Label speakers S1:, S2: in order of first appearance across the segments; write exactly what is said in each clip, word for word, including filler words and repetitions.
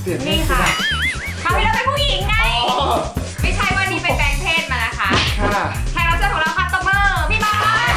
S1: เปลี่ยน
S2: นี่ค่ะคราวที่แล้วเป็นผู้หญิงไงไม่ใช่ว่านี่เป็นแปลงเพศมานะคะ
S1: ค่ะ
S2: แขกรับเชิญของเราค่ะตบมือพี่บอส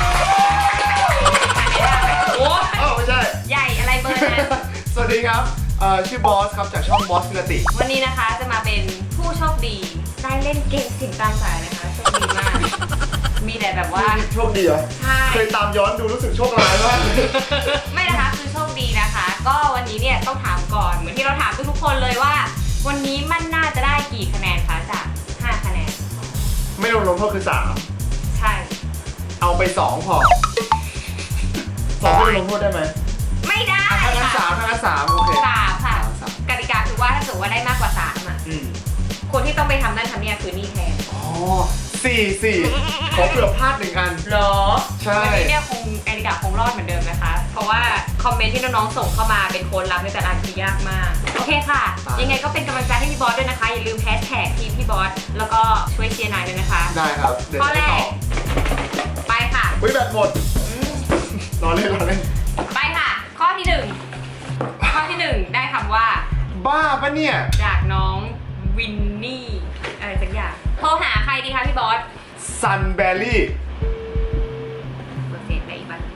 S2: โอ้
S1: เอ้าไม่ใช่
S2: ใหญ่อะไรเบอร์นั้น
S1: สวัสดีครับเอ่อชื่อบอสครับจากช่องบอสพิรติ
S2: วันนี้นะคะจะมาเป็นผู้โชคดีได้เล่นเกมสิ่งตามสายนะคะโชคดีมากมีแต่แบบว่า
S1: โชคดีเหรอ
S2: ใช่
S1: เคยตามย้อนดูรู้สึกโชคร้ายมาก
S2: ไม่นะคะคือโชคดีนะคะ ก็วันนี้เนี่ยต้องถามก่อนเหมือนที่เราถามทุกๆคนเลยว่า วันนี้มันน่าจะได้กี่คะแนนคะจากห้าคะแนน
S1: ไม่รวมลงโทษคือสาม
S2: ใช่
S1: เอาไปสองพอสองไม่รวมลงโทษได้ไหม
S2: ไม่ได้
S1: อ่ะถ้างั้นสา
S2: ค่ะ
S1: มถ้างั้นสามโอเค
S2: สามค่ะ
S1: สาม
S2: กติกาคือว่าถ้าเกิดว่าได้มากกว่าสามอ่ะ
S1: อืม
S2: คนที่ต้องไปทำนั่นทำเนี่ยคือนี่แทน
S1: อ๋อสี่สี่ขอเผื่อพลาดหนึ่งอัน
S2: หรอ
S1: ใช่
S2: วันนี้เนี่ยคงกติกาคงรอดเหมือนเดิมนะคะ เพราะว่าคอมเมนต์ที่น้องๆส่งเข้ามาเป็นโค้ดลับในแต่ละอันคือยากมาก โอเคค่ะ ยังไงก็เป็นกำลังใจให้พี่บอสด้วยนะคะ อย่าลืมแฮชแท็กทีมพี่บอสแล้วก็ช่วยเชียร์นายด้วยนะคะ
S1: ได้ครับเดี๋ยว
S2: ข้อ
S1: จะ
S2: แร
S1: ไปต่อก
S2: ไปค่ะ
S1: อุ้ยแบตหมด
S2: อืม
S1: รอเล่นรอเล่น
S2: ไปค่ะ ข้อที่หนึ่งข้อที่หนึ่งได้คำว่า
S1: บ้าปะเนี่ย
S2: จากน้องวินนี่อะไรสักอย่างโทรหาใครดีคะพี่บอส
S1: ซันแบรี่
S2: เปอร์เซ็นต์ได้อีกบ้าง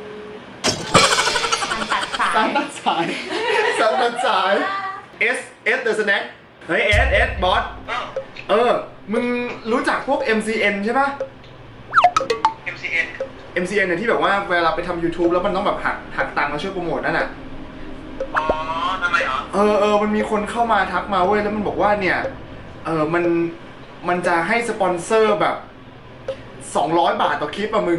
S2: มันตัดสา
S1: ซัน
S2: ย
S1: ตัดสายซันตัดสาย S S The Snack เฮ้ย S S บอสเออ มึงรู้จักพวก เอ็ม ซี เอ็น ใช่ปะ
S3: เอ็ม ซี เอ็น
S1: เอ็ม ซี เอ็น เนี่ยที่แบบว่าเวลาไปทำ YouTube แล้วมันต้องแบบหักหักตังค์มาช่วยโปรโมทนั่นน่ะ
S3: อ๋อทำไมเหรอ
S1: เออเออมันมีคนเข้ามาทักมาเว้ย แล้วมันบอกว่าเนี่ย เออมัน มันจะให้สปอนเซอร์แบบ สองร้อยบาทต่อคลิปอะมึง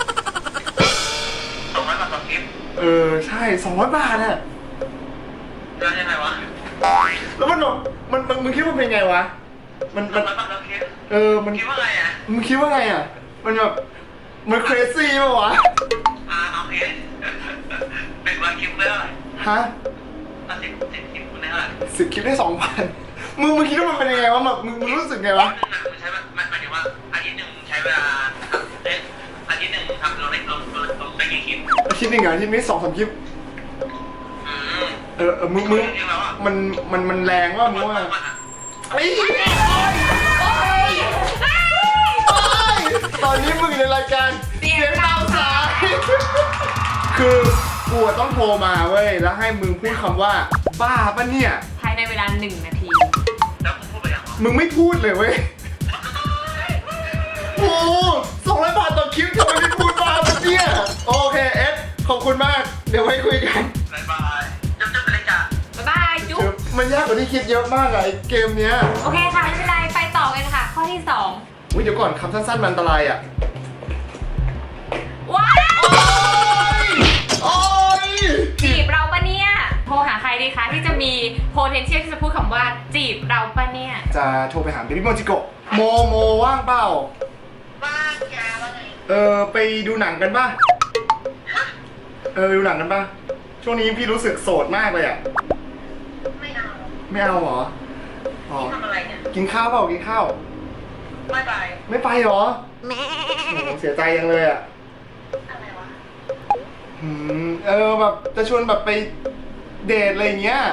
S3: สองร้อยบาทต่อคลิป
S1: เออ ใช่ สองร้อยบาทอะ
S3: แล้วยังไงวะ
S1: แล้วมันแบบมันมันมึงคิดว่าเป็นไงวะ มัน
S3: สอ
S1: มั
S3: ง
S1: น
S3: ร้อยบาทต่อคลิป
S1: เออ มัน
S3: คิดว่าไงอ่ะ
S1: มึงคิดว่าไงอะมันแบบ มัน crazy ป่ะวะ
S3: อ่าโอเคหนึ่งร้อยคลิปได้เท่าไหร่
S1: ฮะ
S3: อ่ะสิบสิบคลิปคุณได้เท่าไหร่
S1: สิบคลิปได้สองพันมึงมึงคิดว่ามันเป็นยังไงวะแบบมึงมึงรู้สึกไงวะ
S3: คลิปหนึ่งอ่ะมันใช้เวลาหมายหมายถึงว่าอาทิตย์หนึ่งใช้เวลาทำเอ๊ะอาทิตย์หนึ่งทำเราได้เราเราเราได้กี่คลิป
S1: อาทิตย์หนึ่งอะอาทิตย์นี้สองสามคลิป
S3: อืม
S1: เออเออมึงมึง
S3: จริงๆแล้วอ่ะ
S1: มันมันมันแรงว่ามึงว่า
S3: วันอ่ะ
S1: ไอ้ตอนนี้มึงอยู่ในรายการ
S2: เสียงตามสาย
S1: คือกูอะต้องโทรมาเว้ยแล้วให้มึงพูดคำว่าบ้าปะเนี่ย
S2: ภายในเวลาหนึ่งนาที
S3: แล้วคุณพูดไปยังเหรอ
S1: มึงไม่พูดเลยเว้ยโอ้สองร้อยบาทต่อคลิปทำไมไม่พูดบ้าปะเนี่ยโอเคเอสขอบคุณมากเดี๋ยวไว้คุยกัน
S3: บ๊ายบายจบจบไปเลยจ้ะ
S2: บ๊ายบายจุ๊บ
S1: มันยากกว่าที่คิดเยอะมากอะไอ้เกมเนี้ย
S2: โอเคค่ะไม่เป็นไรไปต่อกันค่ะ ข้อที่สอง
S1: อุ้ยเดี๋ยวก่อนคำสั้นๆมันอันตรายอะ
S2: ว้าว
S1: โอ้ย
S2: จีบเราปะเนี่ยโทรหาใครดีคะที่จะมี potential ที่จะพูดคำว่าจีบเราปะเนี่ย
S1: จะโทรไปหาเบบี้โมจิโกะโมโมว่างเปล่า
S3: บ้านแกว่าไง
S1: เออไปดูหนังกันป่ะ เออไปดูหนังกันป่ะ ช่วงนี้พี่รู้สึกโสดมากเลยอ่ะ
S3: ไม่เอา
S1: ไม่เอาเหรอ อ๋อ
S3: ทำอะไรเนี่ย
S1: กินข้าวเปล่ากินข้าว
S3: ไม่ไป
S1: ไม่ไปเหรอโอ้โหเสียใจยังเลยอ่ะ
S3: อะไรวะ
S1: อืมเออแบบจะชวนแบบไปเดทอะไรอย่างเงี้ย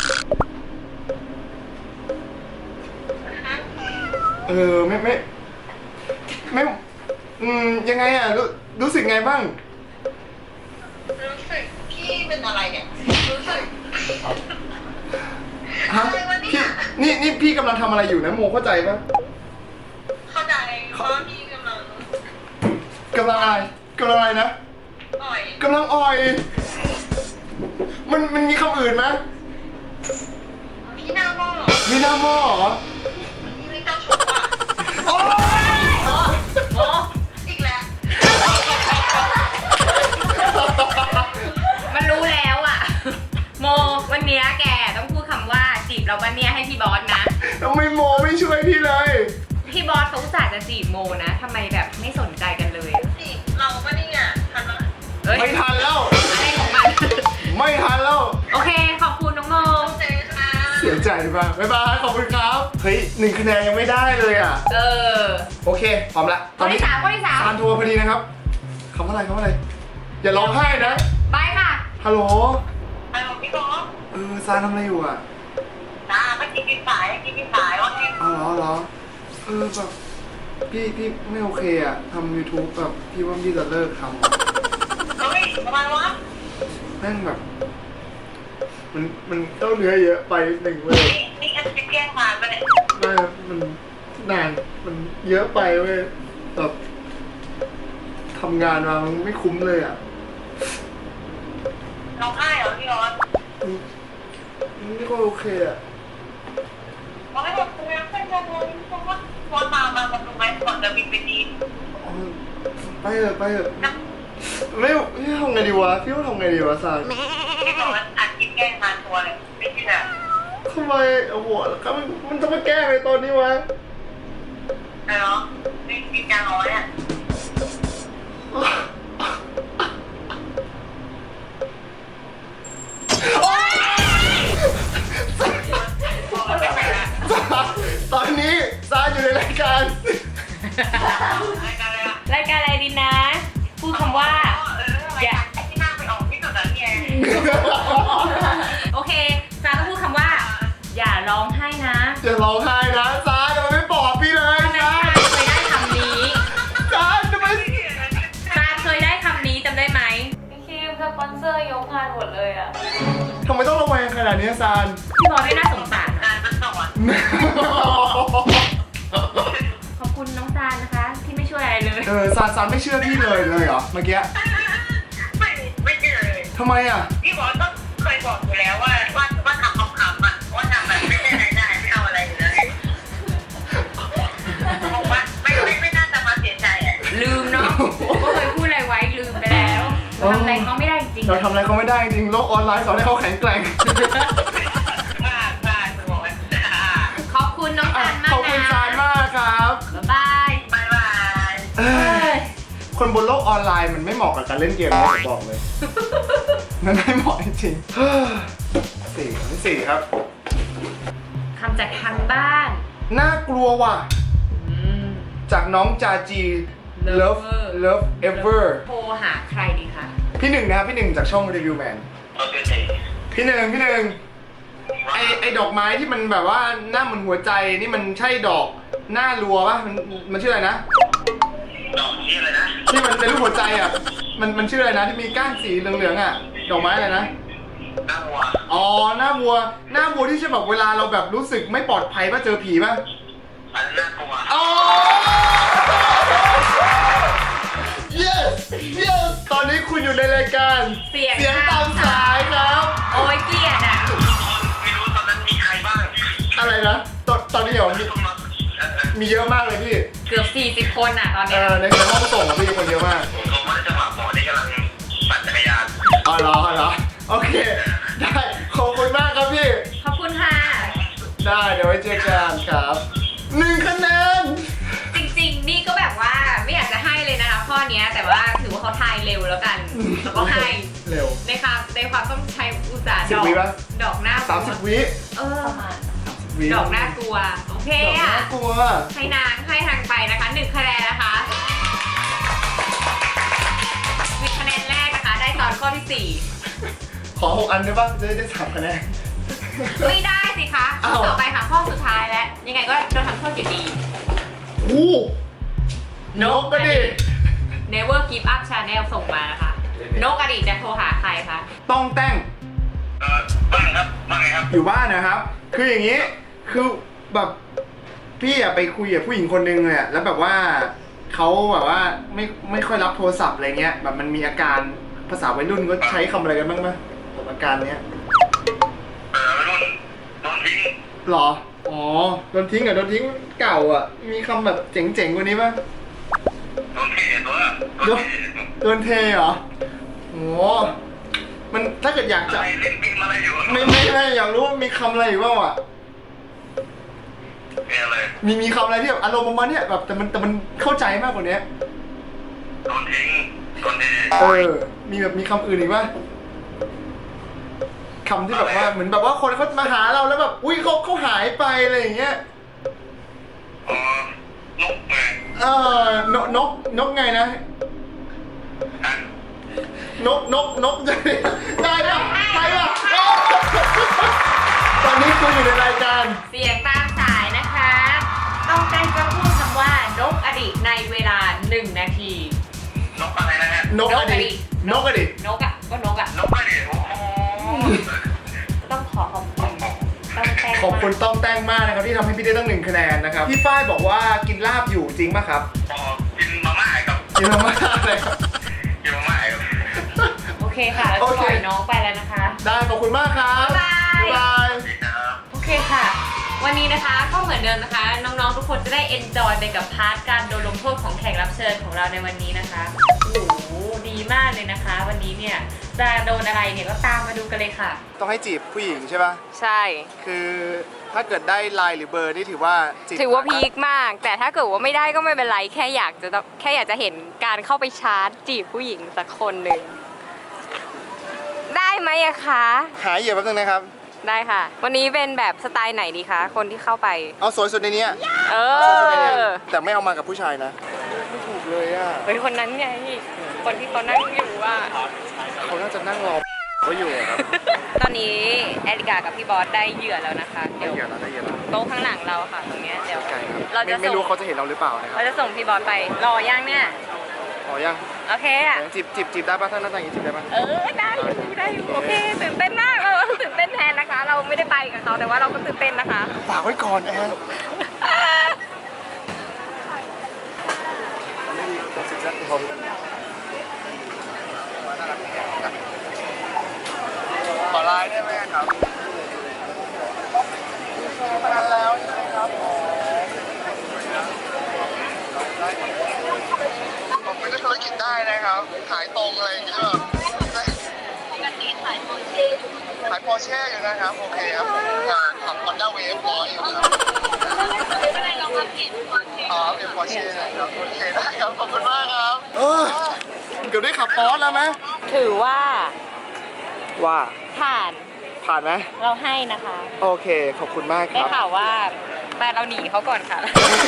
S1: เออไม่ไม่ไม่อืมยังไงอ่ะรู้รู้สึกไงบ้าง
S3: รู้สึกพี่เป็นอะไรเนี่ย รู้สึก
S1: ฮะ
S3: อะไรวะเนี่ย
S1: พี่นี่นี่พี่กำลังทำอะไรอยู่นะโมเข้าใจปะ
S3: เข้าใจว่าพี่กำลัง
S1: กำลังอะไรกำลังอะไรนะ
S3: อ่อย
S1: กำลังอ่อย มันมันมีคำอื่นไหม
S3: พี่หน้าหม้อ
S1: มีหน้าหม้อเหรอ
S3: พี่ไม่เจ้าชู้อ่ะ
S1: โอ๊ย
S2: โอ้
S3: อีกแล้ว
S2: มันรู้แล้วอ่ะ โมวันเนี้ยแกต้องพูดคำว่าจีบเราปะเนี่ยให้พี่บอสนะ
S1: ทำไมโมไม่ช่วยพี่เลย
S2: พี่บอสเขาอุตส่าห์จะจีบโมนะทำไมแบบไม่สนใจกันเลยอะ
S3: สิเราก็นี่อ่ะทันละ
S2: เอ้ย
S1: ไม่ทันแล้ว
S2: อะไรของมัน
S1: ไม่ทันแล้ว
S2: โอเคขอบคุณน้องโม
S3: เจอค่ะ
S1: เสียใจป่ะบ๊ายบายขอบคุณครับ เฮ้ยหนึ่งคะแนนยังไม่ได้เลยอ่ะ
S2: เออ
S1: โอเค พร้อมละ
S2: ข้อที่สามข้อที่สาม
S1: ซานโทรพอดีนะครับคำว่าอะไรคำว่าอะไร อย่าร้องไห้นะ
S2: ไปค่ะ
S1: ฮัลโหล
S3: ไอ้ของพี่บอส
S1: เออซานทำอะไรอยู่อ่ะ
S3: กินสายกินกินสายว่าที่
S1: อ๋อเหรอเหรอเออแบบพี่พี่ไม่โอเคอะทำ YouTube แบบพี่ว่าพี่จะเลิกทำอะ
S3: เฮ้ยทำไมวะ
S1: แม่งแบบ มันมันเต้าเนื้อเยอะไปหนึ่งเลย
S3: นี่นี่อันจะแกล้งผ่านไปเนี่ย
S1: ไม่มันนานมันเยอะไปเว้ยแบบทำงานมามันไม่คุ้มเลยอ่ะ
S3: ร้องไห้เหรอพี่ร้อน
S1: มันมันไม่ค่อยโอเคอ่ะ
S3: ร้องไห้แบบกูยังไม่ได้เลยเพราะว่าวันมามามาดูไหมก่อนจะบินไปจีน
S1: อ๋อไปเถอะไปเถอะไม่ไม่ทำไงดีวะพี่ว่าทำไงดีวะซาน
S3: พี่บอกว่าอัดกินแกล้งผ่านตัวเลยไม่ใช่แบบ
S1: ทำไมโอ้โหแล้วก็มันมันต้องมาแก้ในตอนนี้วะ
S3: อะไรเนาะนี่กินยาน้อยอ่ะ
S1: ตอนนี้ซานอยู่ในรายการ
S3: รายการอะไรอ่ะ
S2: รายการอะไรดีนะ พูดคำว่า
S3: เออรายการที่น่าไปออกที่สุดแล้วเนี่ย
S2: โอเคซาต้องพูดคำว่า อย่าร้องไห้นะ
S1: อย่าร้องไห้นะซานทำไมไม่บอกพี่เลย
S2: ตอนนั้น
S1: ซาน
S2: ซาเคยได้คำนี้
S1: ซานทำไม
S2: ซาเคยได้คำนี้จำได้ไหมพี่คิมสปอนเซอร์ยกงานหมดเลยอ่ะ
S1: ทำไมต้องระแวงขนาดนี้ซาน
S2: พี่บอลไม่น่าสงสาร
S3: การมันสอน
S2: ขอบคุณน้องซานนะคะ ที่ไม่ช่วยอะไรเลย
S1: เออซานซานไม่เชื่อพี่เลยเลยเหรอเมื่อกี้
S3: ไม่ไม่เจอเลย
S1: ทำไมอ่ะ
S3: พี่บอสก็เคยบอกอยู่แล้วว่าว่าว่าทำคำคำอ่ะว่าทำแบบไม่ได้รายได้ไม่เอาอะไรเลยบอกว่าไม่ไม่ไม่น่าจะมาเสียใจอ่ะ
S2: ลืมเนาะว่าเคยพูดอะไรไว้ลืมไปแล้วทำอะไรเขาไม่ได้จริง
S1: เราทำอะไรเขาไม่ได้จริงโลกออนไลน์สอนให้เขาแข็งแกร่ง
S3: พลาดพลาดสมองมัน
S2: ขอบคุณน้อง
S1: อ่ะ
S2: ซานมาก
S1: ขอบคุณซานมากครับ
S2: บ๊ายบาย
S3: บายบาย
S1: เอ้ยคนบนโลกออนไลน์มันไม่เหมาะกับการเล่นเกมนะผมบอกเลย มันไม่เหมาะจริงๆเฮ้ยสี่สี่ครับ
S2: คำจากทางบ้าน
S1: น่ากลัวว่ะ จากน้องจาจี Love Love Ever
S2: โทรหาใครดีคะ
S1: พี่หนึ่งนะครับพี่หนึ่งจากช่องรีวิวแมน
S3: โอเค
S1: พี่หนึ่งพี่หนึ่งไอไอดอกไม้ที่มันแบบว่าหน้าเหมือนหัวใจนี่มันใช่ดอกหน้ารัวปะมันมันชื่ออะไรนะ
S3: ดอกนี้อะไรนะ
S1: ที่มันเป็นรูปหัวใจอ่ะมันมันชื่ออะไรนะที่มีก้านสีเหลืองๆอ่ะดอกไม้อะไรนะ
S3: หน้าวัว
S1: อ๋อหน้าวัวหน้าวัวที่ใช่แบบเวลาเราแบบรู้สึกไม่ปลอดภัยป่ะเจอผีป่ะ
S3: อันนั้นน่ากลัว
S1: อ๋อ yes yes ตอนนี้คุณอยู่ในรายการ
S2: เสียง
S1: เสียงตามสายครับ
S2: โอ้ยเกลียดอ่ะ
S3: ไม่รู้ตอนนั้นมีใครบ้าง
S1: อะไรนะตอนตอนนี้เหรอมี
S3: ต้องมาเออ
S1: มีเยอะมากเลยพี่
S2: เกือบสี่สิบคนอ่ะตอน
S1: เอ
S2: เนี้ย
S1: อในในห้องส่งอะพี่คนเยอะมาก
S3: ผมเขาว่าจะมาหมอที่กำลังปั่นจักรยาน
S1: อ๋อเหรออ๋อเหรอโอเค ได้ขอบคุณมากครับพี่
S2: ขอบคุณค่ะ
S1: ได้เดี๋ยวไว้เจอกันครับหนึ่งคะแนน
S2: จริงๆ นี่ก็แบบว่าไม่อยากจะให้เลยนะคะข้อเนี้ยแต่ว่าถือว่าเขาทายเร็วแล้วกัน แล้วก็ให้
S1: เร็ว
S2: ในความในความต้องใช้อุตสาห์
S1: สิ
S2: ด
S1: บอก วิปะ
S2: ดอกหน้า
S1: สามสิบวิ
S2: เออ
S1: วิ
S2: ดอกน่ากลัว โอเค
S1: ดอก
S2: อ่ะ
S1: น่ากลัว
S2: ให้นางให้ทางไปนะคะหนึ่งคะแนนนะคะวิคะแนนแรกนะคะ ได้ตอนข้อที่สี่
S1: ขอหกอันได้ป่ะจะได้ได้สามคะแนน
S2: ไม่ได้สิคะ
S1: อ้าว
S2: ต่อไปค่ะข้อสุดท้ายแล้ว ยังไงก็โดนทำโทษอยู่ดี
S1: อู้นกก็ดิ
S2: Never Give Up Channel ส่งมานะคะ นกอดีตจะโทรหาใครคะ
S1: ต้องแต่ง
S3: เออบ้างครับบ้างไงครับ
S1: อยู่บ้านนะครับ คืออย่างนี้ คือแบบพี่อะไปคุยกับผู้หญิงคนนึงเลยอะแล้วแบบว่าเขาแบบว่าไม่ไม่ค่อยรับโทรศัพท์อะไรเงี้ย แบบมันมีอาการภาษาวัยรุ่นก็ใช้คำอะไรกันบ้างไหมกับอาการเนี้ย
S3: เออรุ่นโดนทิ้ง
S1: หรอ อ๋อ โดนทิ้งเหรอโดนทิ้งเก่าอ่ะ มีคำแบบเจ๋งๆกว่านี้ป่ะ
S3: โดนเทตัว
S1: โดนโดนเทเหรอโอ้มันถ้าเกิดอยากจะ
S3: อะไรเล่นเกมอะไรอยู่
S1: ไม่ไม่ไม่อยากรู้ว่ามีคำอะไรอยู่บ้างอ่ะ
S3: เกมอะไร
S1: มีมีคำอะไรที่แบบอารมณ์ประมาณเนี้ยแบบแต่มันแต่มันเข้าใจมากกว่านี้
S3: โดนทิ้งโดนเท
S1: เออ มีแบบมีคำอื่นอีกป่ะคำที่แบบว่าเหมือนแบบว่าคนเขามาหาเราแล้วแบบอุ้ยเขาเขาหายไปอะไรอย่างเงี้ย
S3: อ๋อนกไง
S1: เออนกนกนกไงนะ
S3: อ่ะ
S1: นกนกนกได้ได้ปะได้ปะตอนนี้คุณอยู่ในรายการ
S2: เสียงตามสายนะคะ ต้องการจะพูดคำว่านกอดีตในเวลาหนึ่งนาที
S3: นกอะไรนะฮะ
S1: นกอดีตนกอดีต
S2: นกอ่ะก็นกอ่ะ
S3: นกอะไรโอ้โห
S2: ต้องขอขอบคุณต้องแต้ง
S1: ขอบคุณต้องแต้งมากนะครับที่ทำให้พี่ได้ตั้งหนึ่งคะแนนนะครับพี่ฝ้ายบอกว่ากินลาบอยู่จริงป่ะครับ
S3: พอกินมาม่าครับ
S1: กินมาม่าเลยครับ
S3: กินมาม่าครับ
S2: โอเคค่ะแล้ว
S1: โอ
S2: จะ
S1: เค
S2: ปล่อยน้องไปแล้วนะคะ
S1: ได้ขอบคุณมากครับ
S2: บ๊ายบาย
S1: บ๊ายบาย
S2: โอเคค่ะ วันนี้นะคะก็เหมือนเดิมนะคะ น้องๆทุกคนจะได้เอนจอยไปกับพาร์ทการโดนลงโทษของแขกรับเชิญของเราในวันนี้นะคะโอ้โหดีมากเลยนะคะ วันนี้เนี่ยจะโดนอะไรเนี่ยก็ตามมาดูกันเลยค่ะ
S1: ต้องให้จีบผู้หญิงใช่ป่ะ
S2: ใช่
S1: คือถ้าเกิดได้ไลน์หรือเบอร์นี่ถือว่าจีบ
S2: ถือว่าพีคมาก แต่ถ้าเกิดว่าไม่ได้ก็ไม่เป็นไรแค่อยากจะต้องแค่อยากจะเห็นการเข้าไปชาร์จจีบผู้หญิงสักคนหนึ่งได้ไหมอะคะ
S1: หาเหยื่อแป๊บนึงนะครับ
S2: ได้ค่ะ วันนี้เป็นแบบสไตล์ไหนดีคะคนที่เข้าไป
S1: เอาสวยสุดในเนี้ย
S2: เอ
S1: สวยสุดในเนี้ย
S2: อ
S1: แต่ไม่เอามากับผู้ชายนะไม่ถูกเลยอ่ะ
S2: เป็นคนนั้นไง คนที่เขานั่งอยู่อ่ะ
S1: เขาน่าจะนั่งรอเขาอยู่อะครับ
S2: ตอนนี้แอริกากับพี่บอสได้เหยื่อแล้วนะคะ
S1: ได้
S2: เดี๋ยว
S1: เหยื่อแล้วได้เหยื่อแล้ว
S2: โต๊ะข้างหลังเราค่ะตรงเนี้ยเดี๋ยว
S1: ไกลครับ
S2: เราจะ
S1: ไม่ไม่
S2: ส่ง
S1: รู้เขาจะเห็นเราหรือเปล่านะครับ
S2: เราจะส่งพี่บอสไป รอย่างเนี่ย
S1: ขอยัง
S2: โอเคอ่ะ
S1: จีบจีบจีบได้ป่ะถ้าหน้าตาอย่างนี้จีบได้ป่ะ
S2: เออได้อยู่ได้อยู่โอเคตื่นเต้นมากเราตื่นเต้นแทนนะคะ เราไม่ได้ไปกับเขาแต่ว่าเราก็ตื่นเต้นนะคะ
S1: ฝากไว้ก่อนแอนไม่ดีตัดสินใจผมขอไลน์ได้ไหมครับมานานแล้วใช่ไหมครับผมเป็นธุรกิจได้นะครับ ขายตรงอะไรอย่างเงี้ยแบบขายโปรเช่ขายโปรเช่อยู่นะครับ โอเคครับผมขับ Honda Wave ร้อยอยู่ครับอ๋อเป็นโปรเช่นะครับโอเคได้ครับขอบคุณมากครับเออเกือบได้ขับปอร์ชแล้วไหม
S2: ถือว่า
S1: ว่า
S2: ผ่าน
S1: ผ่านไหม
S2: เราให้นะคะ
S1: โอเคขอบคุณมากค
S2: ได้
S1: รับ
S2: ข่าวว่าแต่เราหนีเขาก่อนค่ะ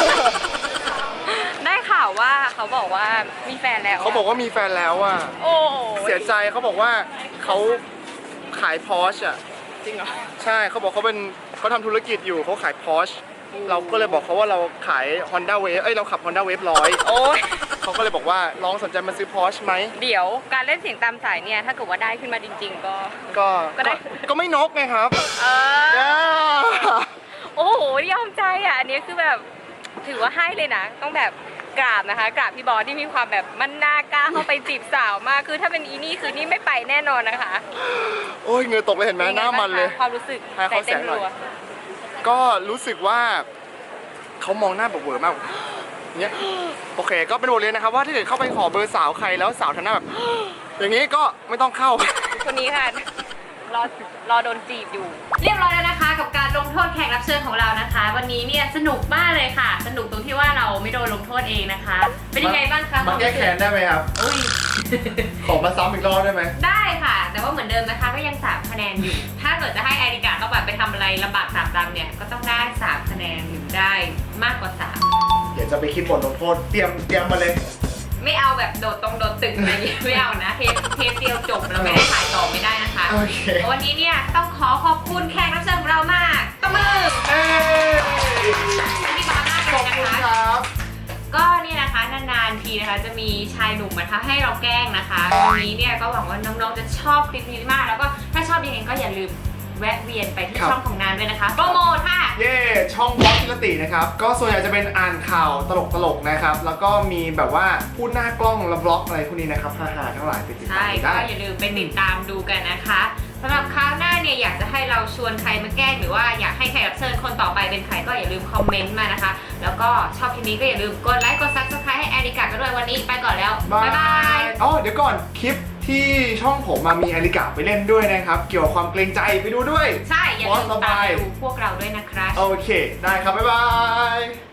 S2: ได้ข่าวว่าเขาบอกว่ามีแฟนแล้วะ
S1: เขาบอกว่ามีแฟนแล้วอ่ะ
S2: โอ้โห
S1: เสียใจเขาบอกว่าเขาขายพอชอ่ะ
S2: จริงเหรอ
S1: ใช่เขาบอกเขาเป็นเขาทำธุรกิจอยู่เขาขายพอชเราก็เลยบอกเขาว่าเราขาย Honda Wave เอ้ยเราขับ Honda Wave ร้อย
S2: โอ้ย
S1: เขาก็เลยบอกว่าลองสนใจมาซื้อพอชไหม
S2: เดี๋ยวการเล่นเสียงตามสายเนี่ยถ้าเกิดว่าได้ขึ้นมาจริง ๆ ก็
S1: ก็
S2: ก็ได้
S1: ก็ไม่นกไงครับ
S2: เออ
S1: ย่า
S2: โอ้โหยอมใจอ่ะอันนี้คือแบบถือว่าให้เลยนะ ต้องแบบกราบนะคะกราบพี่บอสที่มีความแบบมันน่ากล้าเข้าไปจีบสาวมากคือถ้าเป็นอีนี่คือนี่ไม่ไปแน่นอนนะคะ
S1: โอ้ยเหงื่อตกเลยเห็นไหมหน้ามันเลย
S2: ความรู้สึก
S1: ให้เขา
S2: ใจเต้น
S1: แสงหน่อย
S2: รัว
S1: ก็รู้สึกว่าเขามองหน้าแบบเวอร์มากเนี้ยโอเคก็เป็นบทเรียนนะครับว่าถ้าเกิดเข้าไปขอเบอร์สาวใครแล้วสาวทำหน้าแบบ อย่างนี้ก็ไม่ต้องเข้า
S2: คนนี้ค่ะรอรอโดนจีบอยู่ เรียบร้อยแล้วนะคะ กับการลงโทษแขกรับเชิญของเรานะคะ วันนี้เนี่ยสนุกมากเลยค่ะ สนุกตรงที่ว่าเราไม่โดนลงโทษเองนะคะ เป็นยังไงบ้างคะ
S1: มาแก้แค้นได้ไหมครับ
S2: อุ้ย
S1: ขอมาซ้ำอีกรอบได้ไหม
S2: ได้ค่ะ แต่ว่าเหมือนเดิมนะคะก็ยังสามคะแนนอยู่ ถ้าเกิดจะให้แอริกาต้องแบบไปทำอะไรลำบากสามดำเนี่ยก็ต้องได้สามคะแนนหรือได้มากกว่าสาม
S1: เดี๋ยวจะไปคิดบทลงโทษเตรียมเตรียมมาเลย
S2: ไม่เอาแบบโดดตรงโดดตึกอะไรอย่างเงี้ยไม่เอานะเทปเทปเดียวจบแล้วไม่ได้ถ่ายต่อไม่ได้นะคะ
S1: โอเค
S2: วันนี้เนี่ยต้องขอขอบคุณแขกรับเชิญของเรามากตบมือ
S1: เอ้ย
S2: ที่มามาก
S1: ข
S2: เล
S1: อบ
S2: ยนะ
S1: คุณ
S2: คะ
S1: ครับ
S2: ก็เนี่ยนะคะนานๆทีนะคะจะมีชายหนุ่มมาท้าให้เราแกล้งนะคะวันนี้เนี่ยก็หวังว่าน้องๆจะชอบคลิปนี้มากแล้วก็ถ้าชอบยังไงก็อย่าลืมแวะเวียนไปที่
S1: ครับ
S2: ช่องของนานด้วยนะคะโปรโมทค่ะ
S1: เย่ช่องบล็อกกิรตินะครับ ก็ส่วนใหญ่จะเป็นอ่านข่าวตลกๆนะครับ แล้วก็มีแบบว่าพูดหน้ากล้องแล้วบล็อกอะไรพวกนี้นะครับฮาๆทั้งหลายไปติดตา
S2: ใช่
S1: ม
S2: ก็
S1: ได้
S2: อย่าลืมไปติดตามดูกันนะคะสำหรับคราวหน้าเนี่ยอยากจะให้เราชวนใครมาแกล้งหรือว่าอยากให้แขกรับเชิญคนต่อไปเป็นใครก็อย่าลืมคอมเมนต์มานะคะ แล้วก็ชอบคลิปนี้ก็อย่าลืมกดไลค์กดซับสไครต์ให้แอริกากันด้วยวันนี้ไปก่อนแล้วบ๊ายบาย
S1: อ๋อเดี๋ยวก่อนคลิปที่ช่องผมมามีอลิกาไปเล่นด้วยนะครับ เกี่ยวกับความเกรงใจไปดูด้วย
S2: ใช่อย่าลืม
S1: บอสส
S2: ตา
S1: บาม ย
S2: ดูพวกเราด้วยนะครับ
S1: โอเค ได้ครับ บ๊ายบาย